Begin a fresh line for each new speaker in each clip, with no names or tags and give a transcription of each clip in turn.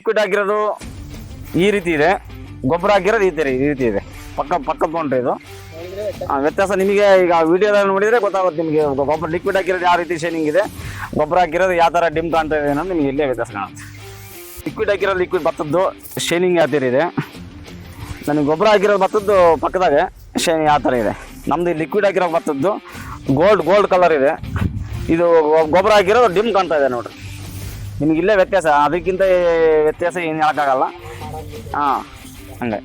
Liquid ಆಗಿರೋದು ಈ ರೀತಿ ಇದೆ, ಗೊಬ್ಬರ ಆಗಿರೋದು ಈ ರೀತಿ ಇದೆ. ಪಕ್ಕ ತೊಗೊಂಡ್ರೆ ಇದು ವ್ಯತ್ಯಾಸ ನಿಮಗೆ ಈಗ ವಿಡಿಯೋದಲ್ಲಿ ನೋಡಿದರೆ ಗೊತ್ತಾಗುತ್ತೆ ನಿಮಗೆ. ಗೊಬ್ಬರ ಲಿಕ್ವಿಡ್ ಹಾಕಿರೋದು ಯಾವ ರೀತಿ ಶೈನಿಂಗ್ ಇದೆ, ಗೊಬ್ಬರ ಹಾಕಿರೋದು ಯಾವ ಥರ ಡಿಮ್ ಕಾಣ್ತಾ ಇದೆ ಅನ್ನೋದು ನಿಮಗೆ ಇಲ್ಲೇ ವ್ಯತ್ಯಾಸ ಕಾಣುತ್ತೆ. ಲಿಕ್ವಿಡ್ ಹಾಕಿರೋದು ಲಿಕ್ವಿಡ್ ಭತ್ತದ್ದು ಶೈನಿಂಗ್ ಯಾವ ಥರ ಇದೆ, ನನಗೆ ಗೊಬ್ಬರ ಹಾಕಿರೋದು ಭತ್ತದ್ದು ಪಕ್ಕದಾಗೆ ಶೈನಿಂಗ್ ಯಾವ ಥರ ಇದೆ. ನಮ್ಮದು ಲಿಕ್ವಿಡ್ ಹಾಕಿರೋ ಭತ್ತದ್ದು ಗೋಲ್ಡ್ ಕಲರ್ ಇದೆ, ಇದು ಗೊಬ್ಬರ ಹಾಕಿರೋದು ಡಿಮ್ ಕಾಣ್ತಾ ಇದೆ ನೋಡಿರಿ. ನಿಮಗೆ ಇಲ್ಲೇ ವ್ಯತ್ಯಾಸ, ಅದಕ್ಕಿಂತ ವ್ಯತ್ಯಾಸ ಏನು ಹೇಳೋಕ್ಕಾಗಲ್ಲ. ಹಾಂ, ಹಂಗೆ.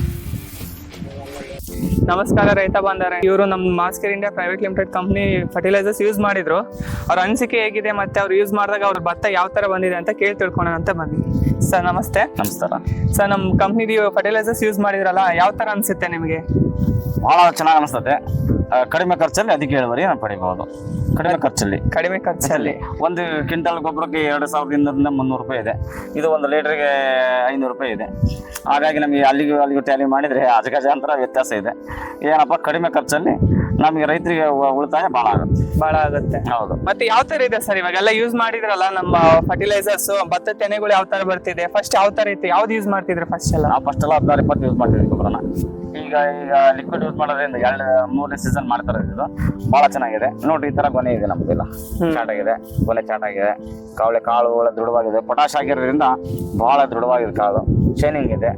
ನಮಸ್ಕಾರ ರೈತ ಬಾಂಧವರೇ, ಇವರು ನಮ್ಮ Maskar India private limited company fertilisers use ಮಾಡಿದ್ರು. ಅವ್ರ ಅನಿಸಿಕೆ ಹೇಗಿದೆ ಮತ್ತೆ ಅವ್ರು ಯೂಸ್ ಮಾಡಿದಾಗ ಅವ್ರ ಭತ್ತ ಯಾವ ತರ ಬಂದಿದೆ ಅಂತ ಕೇಳಿ ತಿಳ್ಕೊಳ್ಳೋಣ ಅಂತ ಬನ್ನಿ. ಸರ್ ನಮಸ್ತೆ.
ನಮಸ್ಕಾರ
ಸರ್, ನಮ್ಮ ಕಂಪ್ನಿದು ಫರ್ಟಿಲೈಸರ್ಸ್ ಯೂಸ್ ಮಾಡಿದ್ರಲ್ಲ, ಯಾವ ತರ ಅನ್ಸುತ್ತೆ ನಿಮಗೆ?
ಭಾಳ ಚೆನ್ನಾಗಿ ಅನಿಸ್ತದೆ. ಕಡಿಮೆ ಖರ್ಚಲ್ಲಿ ಅದಕ್ಕೆ ಇಳುವರಿ ಪಡಿಬಹುದು. ಕಡಿಮೆ ಖರ್ಚಲ್ಲಿ ಒಂದು ಕ್ವಿಂಟಲ್ ಗೊಬ್ಬರಕ್ಕೆ 2200ರಿಂದ 300 ರೂಪಾಯಿ ಇದೆ. ಇದು ಒಂದು ಲೀಟರ್ಗೆ 500 ರೂಪಾಯಿ ಇದೆ. ಹಾಗಾಗಿ ನಮಗೆ ಅಲ್ಲಿಗೂ ಟ್ಯಾಲಿ ಮಾಡಿದರೆ ಅಜಗಜಾಂತರ ವ್ಯತ್ಯಾಸ ಇದೆ. ಏನಪ್ಪ, ಕಡಿಮೆ ಖರ್ಚಲ್ಲಿ ನಮಗೆ ರೈತರಿಗೆ ಉಳಿತಾಯ ಭಾಳ ಆಗುತ್ತೆ. ಹೌದು.
ಮತ್ತೆ ಯಾವ ತರ ಇದೆ ಸರ್ ಇವಾಗೆಲ್ಲ ಯೂಸ್ ಮಾಡಿದ್ರಲ್ಲ ನಮ್ಮ ಫರ್ಟಿಲೈಸರ್ಸ್, ಭತ್ತ ತೆನೆಗಳು ಯಾವ ತರ ಬರ್ತಿದೆ? ಫಸ್ಟ್ ಯಾವ ತರ ಇತ್ತು, ಯಾವ್ದು ಯೂಸ್ ಮಾಡ್ತಿದ್ರು ಫಸ್ಟ್ ಎಲ್ಲ?
ನಾವು ಫಸ್ಟ್ ಎಲ್ಲ 16-20 ಯೂಸ್ ಮಾಡ್ತಿದ್ವಿ ಗೊಬ್ಬರನ. ಈಗ ಲಿಕ್ವಿಡ್ ಯೂಸ್ ಮಾಡೋದ್ರಿಂದ 2-3ನೇ ಸೀಸನ್ ಮಾಡ್ತಾರೆ. ಇದು ಭಾಳ ಚೆನ್ನಾಗಿದೆ ನೋಡ್ರಿ. ಈ ತರ ಗೊನೆ ಇದೆ ನಮ್ದೆಲ್ಲ, ಚಾಟಾಗಿದೆ, ಗೊನೆ ಚಾಟಾಗಿದೆ. ಕಾಳು ಒಳ್ಳೆ ದೃಢವಾಗಿದೆ. ಪೊಟಾಶ್ ಆಗಿರೋದ್ರಿಂದ ಭಾಳ ದೃಢವಾಗಿದೆ ಕಾಳು, ಶೈನಿಂಗ್ ಇದೆ.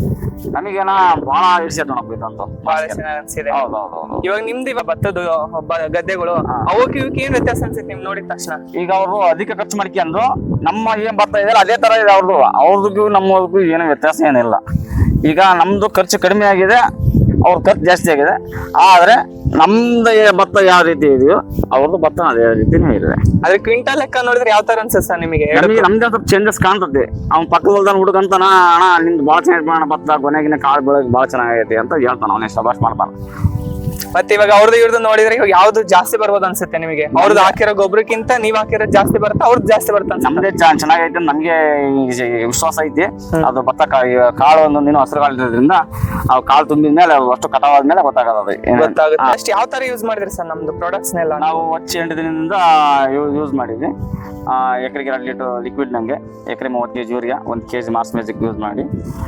ನಮಗೇನ ಭಾಳ ಇಡ್ಸೈತೆ ನೋಡಪ್ಪ ಇದಂತೂ,
ಬಹಳ ಚೆನ್ನಾಗಿ ಅನ್ಸಿದೆ.
ಹೌದು.
ಇವಾಗ ನಿಮ್ದು ಇವಾಗ ಭತ್ತದ ಗದ್ದೆಗಳು ಅವಕ್ಕೆ ಇವಕ್ಕೆ ಏನ್ ವ್ಯತ್ಯಾಸ ಅನ್ಸುತ್ತೆ ನಿಮ್ ನೋಡಿದ ತಕ್ಷಣ?
ಈಗ ಅವರು ಅಧಿಕ ಖರ್ಚು ಮಾಡ್ಕೊಂಡು ನಮ್ಮ ಏನ್ ಭತ್ತ ಇದೆಯಲ್ಲ ಅದೇ ತರ ಇದೆ ಅವ್ರದ್ದು ನಮ್ಮವ್ರಿಗೂ ಏನೋ ವ್ಯತ್ಯಾಸ ಏನಿಲ್ಲ. ಈಗ ನಮ್ದು ಖರ್ಚು ಕಡಿಮೆ ಆಗಿದೆ, ಅವ್ರ ಖರ್ಚು ಜಾಸ್ತಿ ಆಗಿದೆ. ಆದ್ರೆ ನಮ್ದು ಭತ್ತ ಯಾವ ರೀತಿ ಇದೆಯೋ ಅವ್ರದ್ದು ಭತ್ತ ಅದೇ ರೀತಿನೇ ಇದೆ.
ಅದ್ರ ಕ್ವಿಂಟಲ್ ಲೆಕ್ಕ ನೋಡಿದ್ರೆ ಯಾವ ತರ ಅನ್ಸುತ್ತೆ ಸರ್ ನಿಮಗೆ?
ನಮ್ದೇ ಸ್ವಲ್ಪ ಚೇಂಜಸ್ ಕಾಣ್ತದೆ. ಅವ್ನ ಪಕ್ಕದ ಹೊಲ್ದಾನ ಹುಡುಗಂತಾನ, ಅಣ್ಣ ನಿಮ್ದು ಭಾಳ ಚೆನ್ನಾಗಿ ಭತ್ತ, ಕೊನೆಗಿನ ಕಾಳು ಬೆಳಗ್ಗೆ ಭಾಳ ಚೆನ್ನಾಗೈತಿ ಅಂತ ಹೇಳ್ತಾನ, ಅವನೇ ಶಬಾಷ್ ಮಾಡ್ತಾನ.
ಮತ್ತೆ ಇವಾಗ ಅವ್ರದ್ದು ಇವ್ರದ್ದು ನೋಡಿದ್ರೆ ಇವಾಗ ಯಾವ್ದು ಜಾಸ್ತಿ ಬರ್ಬೋದು ಅನ್ಸುತ್ತೆ ನಿಮಗೆ? ಅವ್ರದ್ದು ಹಾಕಿರೋ ಗೊಬ್ಬರಕ್ಕಿಂತ ನೀವ್ ಹಾಕಿರೋದು ಜಾಸ್ತಿ ಬರುತ್ತೆ, ಅವ್ರದ್ದು ಜಾಸ್ತಿ ಬರುತ್ತೆ?
ನಮ್ದೇ ಚೆನ್ನಾಗೈತೆ, ನಮ್ಗೆ ವಿಶ್ವಾಸ ಐತಿ. ಅದು ಭತ್ತ ಕಾಳು ಒಂದೊಂದಿನ ಹಸಿರು ಕಾಳಿದ್ರಿಂದ ಅವು ಕಾಳು ತುಂಬಿದ ಮೇಲೆ ಅಷ್ಟು ಕಟಾವಾದ್ಮೇಲೆ ಗೊತ್ತಾಗುತ್ತೆ.
ಅಷ್ಟು ಯಾವ ತರ ಯೂಸ್ ಮಾಡಿದ್ರಿ ಸರ್ ನಮ್ದು ಪ್ರಾಡಕ್ಟ್ಸ್ ನೆಲ್ಲ?
ನಾವು 8 ದಿನದಿಂದ ಯೂಸ್ ಮಾಡಿದ್ವಿ. ಎಕರೆಗೆ 2 ಲೀಟರ್ ಲಿಕ್ವಿಡ್ ನಂಗೆ, ಎಕರೆ 30 kg urea, 1 kg mass magic use ಮಾಡಿ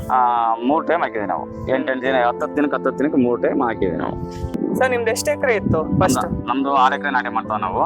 3 ಟೈಮ್ ಹಾಕಿದ್ವಿ ನಾವು. 8 ದಿನ 10 ದಿನಕ್ಕೆ 3 ಟೈಮ್ ಹಾಕಿದ್ವಿ ನಾವು.
ಸರ್ ನಿಮ್ದು ಎಷ್ಟು ಎಕರೆ ಇತ್ತು ಫಸ್ಟ್?
ನಮ್ದು 6 ಎಕರೆ ನಾಟಿ ಮಾಡ್ತಾವ ನಾವು.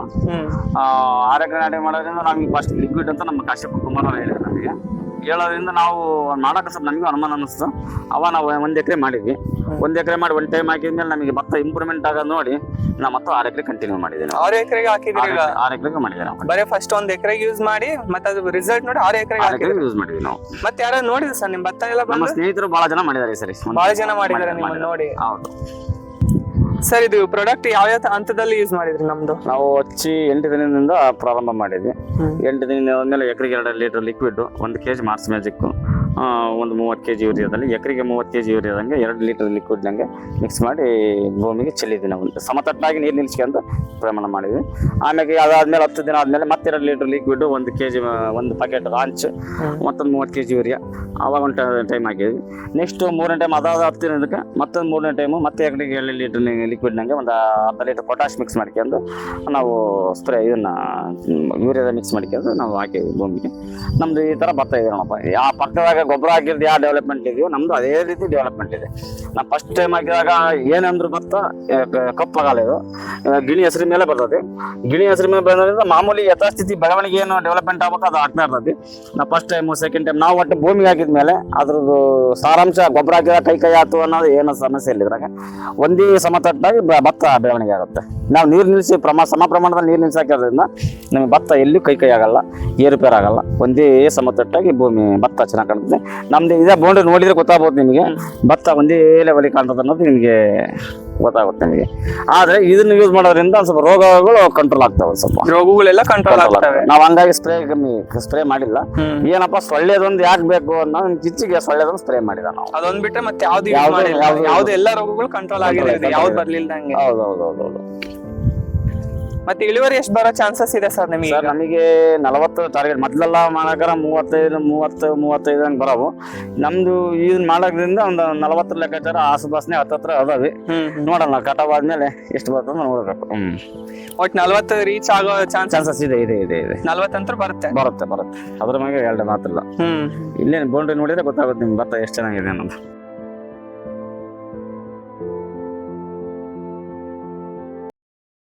6 ಎಕರೆ ನಾಟಿ ಮಾಡೋದ್ರಿಂದ ನಮ್ಗೆ ಫಸ್ಟ್ ಲಿಕ್ವಿಡ್ ಅಂತ ನಮ್ಮ ಕಾಶ್ಯಪ ಕುಮಾರ್ ಹೇಳಿದ್ರು. ನಮಗೆ ಹೇಳೋದ್ರಿಂದ ನಾವು ಮಾಡಕ್ಕೆ ಸ್ವಲ್ಪ ನಮಗೂ ಅನುಮಾನ ಅನ್ನಿಸ್ತು. ನಾವು 1 ಎಕರೆ ಮಾಡಿದ್ವಿ. 1 ಎಕರೆ ಮಾಡಿ 1 ಟೈಮ್ ಹಾಕಿದ್ಮೇಲೆ ನಮಗೆ ಭತ್ತ ಇಂಪ್ರೂವ್ಮೆಂಟ್ ಆಗೋದು ನೋಡಿ ನಾವು ಮತ್ತೆ 6 ಎಕರೆ ಕಂಟಿನ್ಯೂ ಮಾಡಿದ್ವಿ.
6 ಎಕರೆಗೆ ಹಾಕಿದ್ರಿ?
6 ಎಕರೆಗೆ ಮಾಡಿದ್ವಿ ನಾವು.
ಬರೀ ಫಸ್ಟ್ 1 ಎಕರೆಗೆ ಯೂಸ್ ಮಾಡಿ ಮತ್ತೆ ಅದು ರಿಸಲ್ಟ್ ನೋಡಿ 6 ಎಕರೆಗೆ
ಯೂಸ್ ಮಾಡಿದ್ವಿ ನಾವು.
ಮತ್ತೆ ಯಾರು ನೋಡಿದ್ರು ಸರ್ ನಿಮ್ ಭತ್ತ ಎಲ್ಲ?
ನಮ್ಮ ಸ್ನೇಹಿತರು ಬಹಳ ಜನ ಮಾಡಿದ್ದಾರೆ ಸರಿ,
ಬಹಳ ಜನ ಮಾಡಿದ್ದಾರೆ ನಿಮ್ಮನ್ನ ನೋಡಿ.
ಹೌದು
ಸರ್, ಇದು ಪ್ರಾಡಕ್ಟ್ ಯಾವ ಹಂತದಲ್ಲಿ ಯೂಸ್ ಮಾಡಿದ್ರಿ? ನಮ್ದು
ನಾವು ಹಚ್ಚಿ 8 ದಿನದಿಂದ ಪ್ರಾರಂಭ ಮಾಡಿದ್ವಿ. 8 ದಿನದ ಮೇಲೆ ಎಕರೆಗೆ 2 litre liquid, 1 kg Mars magic, ಒಂದು 30 kg ಯೂರಿಯಾದಲ್ಲಿ, ಎಕರೆಗೆ 30 kg ಯೂರಿಯಾದಂಗೆ 2 ಲೀಟರ್ ಲಿಕ್ವಿಡ್ನಂಗೆ ಮಿಕ್ಸ್ ಮಾಡಿ ಭೂಮಿಗೆ ಚೆಲ್ಲಿದ್ವಿ ನಾವು. ಸಮತಟ್ಟಾಗಿ ನೀರು ನಿಲ್ಸ್ಕೊಂಡು ಪ್ರಮಾಣ ಮಾಡಿದ್ವಿ. ಆಮೇಲೆ ಅದಾದ್ಮೇಲೆ 10 ದಿನ ಆದ್ಮೇಲೆ ಮತ್ತೆ 2 ಲೀಟರ್ ಲಿಕ್ವಿಡ್, 1 kg, 1 ಪ್ಯಾಕೆಟ್ ರಾಂಚ್, ಮತ್ತೊಂದು 30 kg ಯೂರಿಯಾ ಅವಾಗ ಒಂದು ಟೈಮ್ ಹಾಕಿದ್ವಿ. ನೆಕ್ಸ್ಟ್ 3ನೇ ಟೈಮ್ ಅದಾದ 10 ದಿನಕ್ಕೆ ಮತ್ತೊಂದು 3ನೇ ಟೈಮು ಮತ್ತೆ ಎಕರೆಗೆ 2 ಲೀಟರ್ ಲಿಕ್ವಿಡ್ನಂಗೆ ಒಂದು 10 ಲೀಟರ್ ಪೊಟಾಶ್ ಮಿಕ್ಸ್ ಮಾಡ್ಕೊಂಡು ನಾವು ಸ್ಪ್ರೇ ಇದನ್ನ ಯೂರಿಯಾದ ಮಿಕ್ಸ್ ಮಾಡ್ಕೊಂಡು ನಾವು ಹಾಕಿದ್ವಿ ಭೂಮಿಗೆ. ನಮ್ದು ಈ ಥರ ಭತ್ತ ಇದೆ ನೋಡಪ್ಪ. ಯಾವ ಪಕ್ಕದಾಗ ಗೊಬ್ಬರ ಹಾಕಿದ್ದು ಯಾವ ಡೆವಲಪ್ಮೆಂಟ್ ಇದೆಯೋ ನಮ್ದು ಅದೇ ರೀತಿ ಡೆವಲಪ್ಮೆಂಟ್ ಇದೆ. ನಾವು ಫಸ್ಟ್ ಟೈಮ್ ಹಾಕಿದಾಗ ಏನಂದ್ರು ಭತ್ತ ಕಪ್ಪಾಗಲ್ಲ, ಇದು ಗಿಣಿ ಹೆಸರು ಮೇಲೆ ಬರ್ತದೆ. ಗಿಣಿ ಹೆಸರು ಮೇಲೆ ಬಂದ್ರಿಂದ ಮಾಮೂಲಿ ಯಥಾಸ್ಥಿತಿ ಬೆಳವಣಿಗೆ ಏನು ಡೆವಲಪ್ಮೆಂಟ್ ಆಗ್ಬೇಕು ಅದು ಆಗ್ತಾ ಇರ್ತದೆ. ನಾವು ಫಸ್ಟ್ ಟೈಮು ಸೆಕೆಂಡ್ ಟೈಮ್ ನಾವು ಒಟ್ಟು ಭೂಮಿಗೆ ಹಾಕಿದ್ಮೇಲೆ ಅದ್ರದ್ದು ಸಾರಾಂಶ ಗೊಬ್ಬರ ಹಾಕಿದ ಕೈ ಆಯ್ತು ಅನ್ನೋದು ಏನೋ ಸಮಸ್ಯೆ ಇಲ್ಲ. ಇದ್ರಾಗ ಒಂದೇ ಸಮತಟ್ಟಾಗಿ ಭತ್ತ ಬೆಳವಣಿಗೆ ಆಗುತ್ತೆ. ನಾವು ನೀರು ನಿಲ್ಲಿಸಿ ಸಮ ಪ್ರಮಾಣದಲ್ಲಿ ನೀರು ನಿಲ್ಲಿಸಿ ಹಾಕಿರೋದ್ರಿಂದ ನಮಗೆ ಭತ್ತ ಎಲ್ಲೂ ಕೈ ಆಗಲ್ಲ, ಏರುಪೇರು ಆಗಲ್ಲ. ಒಂದೇ ಸಮತಟ್ಟಾಗಿ ಭೂಮಿ ಭತ್ತ ಚೆನ್ನಾಗಿ ಕಾಣ್ತದೆ. ನಮ್ದು ಇದೇ ಬೌಂಡ್ರಿ ನೋಡಿದ್ರೆ ಗೊತ್ತಾಗ್ಬೋದು ನಿಮಗೆ, ಭತ್ತ ಒಂದೇ ಲೆವೆಲ್ ಕಾಣ್ತದೆ ಅನ್ನೋದು ನಿಮಗೆ ಗೊತ್ತಾಗುತ್ತೆ ನಿಮಗೆ. ಆದ್ರೆ ಇದನ್ನ ಯೂಸ್ ಮಾಡೋದ್ರಿಂದ ಸ್ವಲ್ಪ ರೋಗಗಳು ಕಂಟ್ರೋಲ್ ಆಗ್ತಾವೆ, ಸ್ವಲ್ಪ
ರೋಗಗಳೆಲ್ಲ ಕಂಟ್ರೋಲ್ ಆಗ್ತವೆ.
ನಾವು ಹಂಗಾಗಿ ಸ್ಪ್ರೇ ಮಾಡಿಲ್ಲ. ಏನಪ್ಪಾ ಸೊಳ್ಳೆದೊಂದು ಯಾಕೆ ಬೇಕು ಅನ್ನೋ ಕಿಚ್ಚಿಗೆ ಸೊಳ್ಳೆದೊಂದು ಸ್ಪ್ರೇ ಮಾಡಿದ ನಾವು.
ಅದೊಂದ್ ಬಿಟ್ರೆ ಮತ್ತೆ ಯಾವ್ದು ಎಲ್ಲ ರೋಗಗಳು ಕಂಟ್ರೋಲ್ ಆಗಿದೆ, ಯಾವ್ದು ಬರ್ಲಿಲ್ಲ ಹಂಗೆ.
ಹೌದೌದೌದೌದು.
ಮತ್ತೆ ಇಳುವರಿ ಎಷ್ಟು ಬರೋ ಚಾನ್ಸಸ್ ಇದೆ ಸರ್ ನಿಮಗೆ?
ಸರ್ ನಮಗೆ 40 ಟಾರ್ಗೆಟ್ ಮೊದಲೆಲ್ಲ ಮಾಡಕ್ಕಾರ 35 ಹಂಗೆ ಬರೋವು. ನಮ್ದು ಇದನ್ನ ಮಾಡೋದ್ರಿಂದ ಒಂದು 40 ಲೆಕ್ಕಾಚಾರ ಆಸುಪಾಸನೆ ಹತ್ತತ್ರ ಅದಾವೆ. ನೋಡೋಣ ಕಟಾವ್ ಆದ್ಮೇಲೆ ಎಷ್ಟು ಬರ್ತದೆ ನೋಡ್ಬೇಕು.
ಒಟ್ 40 ರೀಚ್ ಆಗೋ
ಚಾನ್ಸಸ್ ಇದೆ
40 ಅಂತ ಬರುತ್ತೆ.
ಅದ್ರ ಮೇಲೆ 2 ಮಾತ್ರ ಇಲ್ಲ. ಇಲ್ಲೇ ಬೌಂಡ್ರಿ ನೋಡಿದ್ರೆ ಗೊತ್ತಾಗುತ್ತೆ ನಿಮ್ಗೆ ಭತ್ತ ಎಷ್ಟು ಚೆನ್ನಾಗಿದೆ ಅನ್ನೋದು.